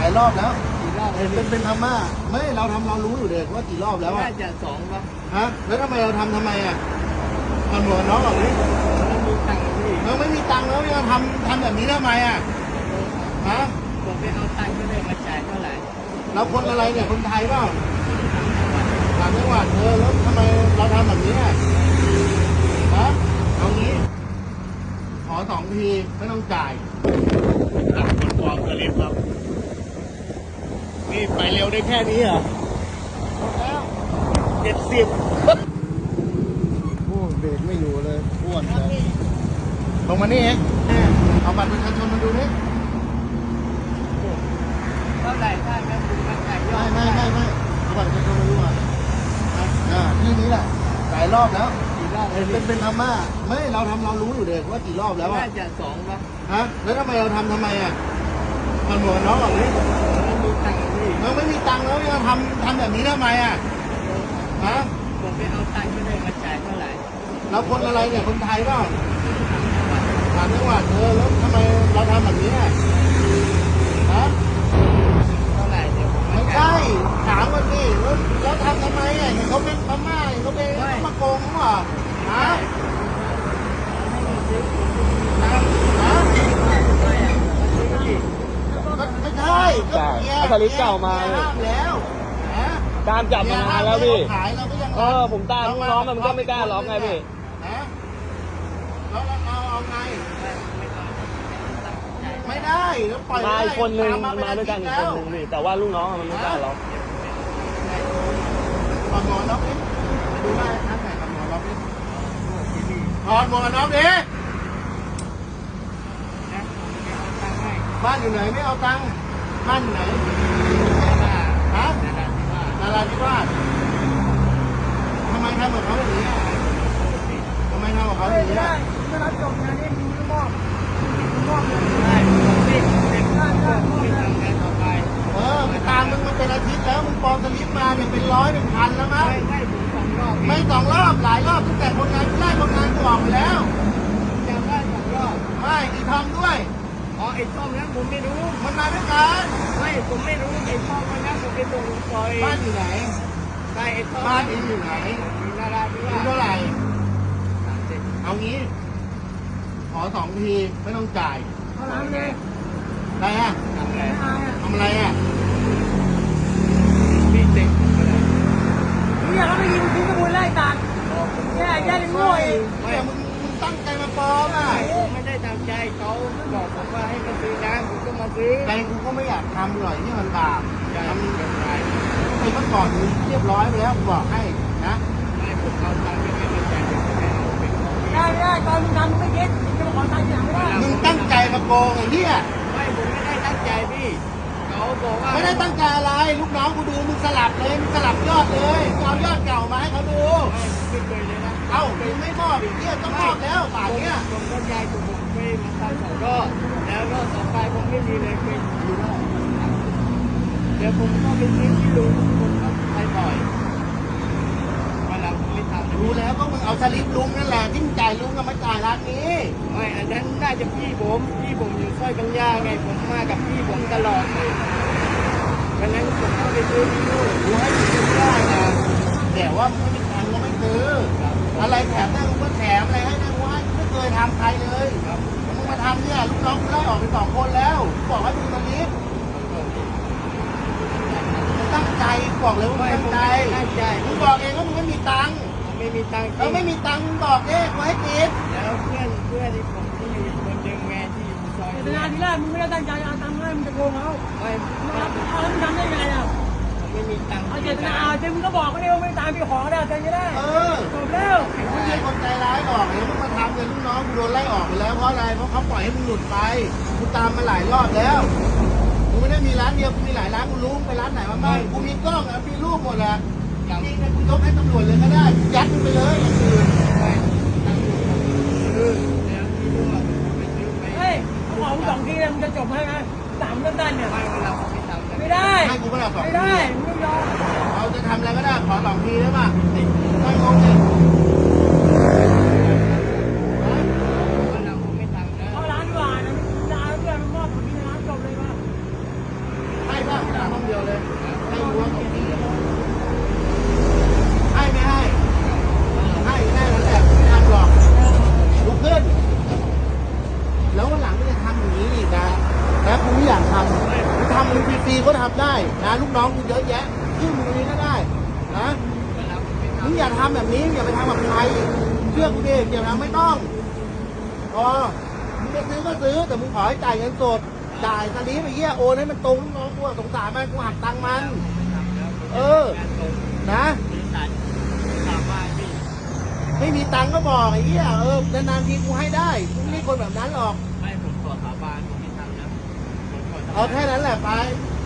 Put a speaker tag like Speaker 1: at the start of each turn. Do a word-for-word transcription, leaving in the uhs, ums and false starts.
Speaker 1: ายรอบแล้ว
Speaker 2: กี่รอบ
Speaker 1: เป็นเป็นพม่าไม่เราทำเรารู้อยู่เด็กว่ากี่รอบแล้วอ่ะ
Speaker 2: น่าจะสองป่ะ
Speaker 1: ฮะแล้วทำไมเราทำทำไมอ่ะทำหมวกน้องแบบนี้
Speaker 2: มีตังค์พี่
Speaker 1: เราไม่มีตังค์แล้วยังทำทำแบบนี้ทำไมอ่ะฮะ
Speaker 2: ผมไปเอาตังค์ก็ได้มาจ่ายเท่าไหร่
Speaker 1: เราคนอะไรเนี่ยคนไทยเปล่าต่างจังหวัดเออแล้วทำไมเราทำแบบนี้อ่ะฮะเอางี้ขอสองทีไม่ต้องจ่ายตัดคนกองกระเล็บครับนี่ไปเร็วได้แค่นี้เหรอแล้วเจ็ดสิบโอ้เบรกไม่อยู่เลยอ้วนเลยลงมานี่เองเอาบัตรประชาชนมาดูนี่
Speaker 2: เท่าไหร่ถ้าแม่คุณมาจ่ายยอด
Speaker 1: ไม่ไม่ไม่ไม่เอาบัตรประชาชนมาดูอ่ะอ่าที่นี้แหละหลายรอบแล้ว
Speaker 2: กี่รอบ
Speaker 1: เป็นเป็นพม่าไม่เราทำเรารู้อยู่เด็กว่ากี่รอบแล้วอ่ะ
Speaker 2: น่าจะสองป่ะ
Speaker 1: ฮะแล้วทำไมเราทำทำไมอ่ะทำหมวกน้องแบบนี้
Speaker 2: มีตังค์พี่
Speaker 1: เราไม่มีตังค์แล้วยังทำทำแบบนี้ทำไมอ่ะฮะ
Speaker 2: ผมไปเอาตังค์ก็ได้มาจ่ายเท่าไหร่
Speaker 1: เราคนอะไรเนี่ยคนไทยเปล่าต่างจังหวัดเออแล้วทำไมเราทำแบบนี้อ่ะฮะ
Speaker 2: เท่าไหร่เดี๋ยวผม
Speaker 1: ไม่ใช่ถามกันดิแล้วแล้วทำทำไมอ่ะเขาเป็นพม่าเขาเป็นเขามาโกงเขาอ่ะฮะไม่ใช่ก็เกียร์
Speaker 3: สลิปเก่ามา
Speaker 1: ห้ามแล้ว
Speaker 3: ตามจับมานานแล้วพี่
Speaker 1: ขายเราก็ยัง
Speaker 3: เออผมตามลูกน้องมันก็ไม่กล้าล็อกไงพี่
Speaker 1: ฮะแล้วเราเอาไงไม่ได้แล้วปล่อย
Speaker 3: มาอีกคนนึงมันมาด้วยกันอีกคนนึงพี่แต่ว่าลูกน้องมันไม่กล้าล็อก
Speaker 1: ถอดหมวกน็อกดิดูได้ท่านไหนถอดหมวกน็อกดิถอดหมวกน็อกดิบ้านอยู่ไหนไม่เอาตังค์บ้านอยู่ไหนฮะนาราธิวาสทำไมทำกับเขาอย่างนี้ทำไมทำกับเขาอย่างนี้
Speaker 2: ไม่รับจบงานนี้มีมอบมอบเลยได้ไม่ไม่ทำงานต่อไป
Speaker 1: เออไปตามมึงมาเป็นอาทิตย์แล้วมึงปลอมสลิปมาเนี่ยเป็นร้อยเป็นพันแล้วมั้ง
Speaker 2: ไม่ไม่ถึงสองรอบ
Speaker 1: ไม่สองรอบหลายรอบตั้งแต่คนงานไล่คนงานกูออกไปแล้ว
Speaker 2: จำได้สองรอบ
Speaker 1: ไม่อีทำด้วย
Speaker 2: อ๋อไอ้ช่องนั้นผมไม่รู้
Speaker 1: มันมาด้วยกัน
Speaker 2: ไม่ผมไม่รู้ไอ้ช่องนั้นผมไปตรงซอย
Speaker 1: บ้านอยู่ไหน
Speaker 2: ใช่ไอ้ช่อง
Speaker 1: บ้านอยู่ไหน
Speaker 2: อยู่นาราธิวาส
Speaker 1: เท่าไหร่เอางี้ขอสองทีไม่ต้องจ่าย
Speaker 2: เท่านั้นเลย
Speaker 1: อะไรอ่ะ
Speaker 2: ทำอะไร
Speaker 1: ทำอะไรอ่ะ
Speaker 2: พี่เด็ก
Speaker 4: เนี่ยเขาไม่ยิงทิ้งกระบุนไล่ตัดแย่แย่เลยงวย
Speaker 1: ไม่มึงมึงตั้งใจมาปลอมอ่ะ
Speaker 2: ไม่ได้ตั้งใจเขาบอกผมว่าให้มาซื้อน้ำผมก็มาซื้อ
Speaker 1: ใจกูก็ไม่อยากทำหรอกที่มันบาป
Speaker 2: ทำแบบไหน
Speaker 1: ไอ้เมื่อก่อนเรียบร้อยไปแล้วกูบอกให้นะ
Speaker 2: ไม่ผมเอาตังค์ไม่มาจ่ายผมไม่เอาเป็นของ
Speaker 4: ได้ได้ตอนมึงทำไม่เก็ตจะมาขอตังค์ทีหลังไม่ได้
Speaker 1: มึงตั้งใจมาโกงไอ้เนี่ย
Speaker 2: ไม่ผมไม่ได้ตั้งใจพี่เขาบอกว่า
Speaker 1: ไม่ได้ตั้งใจอะไรลูกน้องกูดูมึงสลับเลยมึงสลับยอดเลยเอายอดเก่ามาให้เขาดู
Speaker 2: ไม่เคยเลยนะ
Speaker 1: เอ้ามึงไม่มอบอีกเนี่ยต้องมอบแล้วป่านเนี้ย
Speaker 2: ผมก็ยายผมไปมาทำสองรอบแล้วรอบต่อไปผมไม่มีเลยเป็นอยู่รอบเดี๋ยวผมก็ไปซื้อที่ลุงผมก็ไปบ่อยวันหลังผมไม่ทำ
Speaker 1: รู้แล้วก็มึงเอาสลิปลุงนั่นแหละที่มึงจ่ายลุงก็มาจ่ายร้านนี้
Speaker 2: ไม่อันนั้นน่าจะพี่ผมพี่ผมอยู่ซอยกัญญาไงผมมากับพี่ผมตลอดเลยวันนั้นผมก็ไปซื้อที่นู่น
Speaker 1: กูให้มึงซื้อได้นะแต่ว่ามึงไม่มีตังค์ก็ไม่ซื้ออะไรแถมได้มึงก็แถมอะไรให้ได้กูให้ไม่เคยทำใครเลยมึงมาทำเนี่ยลูกน้องกูไล่ออกไปสองคนแล้วบอกให้ดูสลิปตั้งใจบอกเลยว่าตั้งใจ
Speaker 2: ตั้งใจ
Speaker 1: มึงบอกเองว่ามึงไม่มีตังค์
Speaker 2: ไม่มีตังค์
Speaker 1: เราไม่มีตังค์มึงบอกเองกูให้ติด
Speaker 2: แล้วเพื่อนเพื่อนที่ผมที่อยู่คนเดิมแม่ที่อยู่ซอย
Speaker 4: แต่งานที่แรกมึงไม่ได้ตั้งใจเอาตังค์ให้มึงจะโกงเขา
Speaker 2: ไม่
Speaker 4: เอาแล้วมึงทำได้ไงอ่ะ
Speaker 2: ไม่มีตังค์
Speaker 4: เอาเจตนาเจมึงก็บอกก็ได้ว่าไม่ตามพี่ขอได้ใจจะได้
Speaker 1: เออ
Speaker 4: จบแล้ว
Speaker 1: ไม่ใช่คนใจร้ายหรอกเห็นมึงมาทำเลยลูกน้องกูโดนไล่ออกไปแล้วเพราะอะไรเพราะเขาปล่อยให้มึงหลุดไปกูตามมาหลายรอบแล้วกูไม่ได้มีร้านเดียวกูมีหลายร้านกูรู้ไปร้านไหนมาบ้างกูมีกล้องมีรูปหมดแหละจริงๆกูยกให้ตำรวจเลยก็ได้ยัดมึงไปเลยอย่างอื่น
Speaker 4: เฮ้ยเขาบอกสองทีเลยมึงจะจบให้ไหมสามต้นๆเนี่ย
Speaker 2: ไม่เราไม่ทำ
Speaker 4: ไม่ได้
Speaker 1: ให้กูไม่ได้สอง
Speaker 4: ไม่ได้ไม่ยอม
Speaker 1: เราจะทำอะไรก็ได้ขอสองทีได้ป่ะไม่งงเลย
Speaker 4: เอาร้านดีกว่านะร้านเพื่อนมันมอบผลที่ร้านจบเลยว่า
Speaker 1: ให้
Speaker 2: เดียวเลย
Speaker 1: ให้รั้วของพี่ให้ไม่ให้ให้แค่นั้นแหละไม่ทำหรอกลุกขึ้นแล้ววันหลังไม่จะทำอย่างนี้อีกนะนะกูไม่อยากทำกูทำมึงฟรีๆก็ทำได้นะลูกน้องกูเยอะแยะชื่อมึงตรงนี้ก็ได้นะมึงอย่าทำแบบนี้อย่าไปทำกับใครเชื่อกูดิอย่าทำไม่ต้องพอมึงจะซื้อก็ซื้อแต่มึงขอให้จ่ายเงินสดจ่ายตอนนี้ไปเยี่ยโอนให้มันตรงลูกน้องกูสงสารมันกูหักตังค์มัน เออ นะ
Speaker 2: บริษัทถามว่าพี่
Speaker 1: ไม่มีตังค์ก็บอกไอ้เหี้ยเออนานๆทีกูให้ได้กูไม่ใช่คนแบบนั้นหรอก
Speaker 2: ไม่ผมขอสาบานผมไม่ทำนะผมขอสาบาน
Speaker 1: เอาแค่นั้นแหละไป
Speaker 2: ผ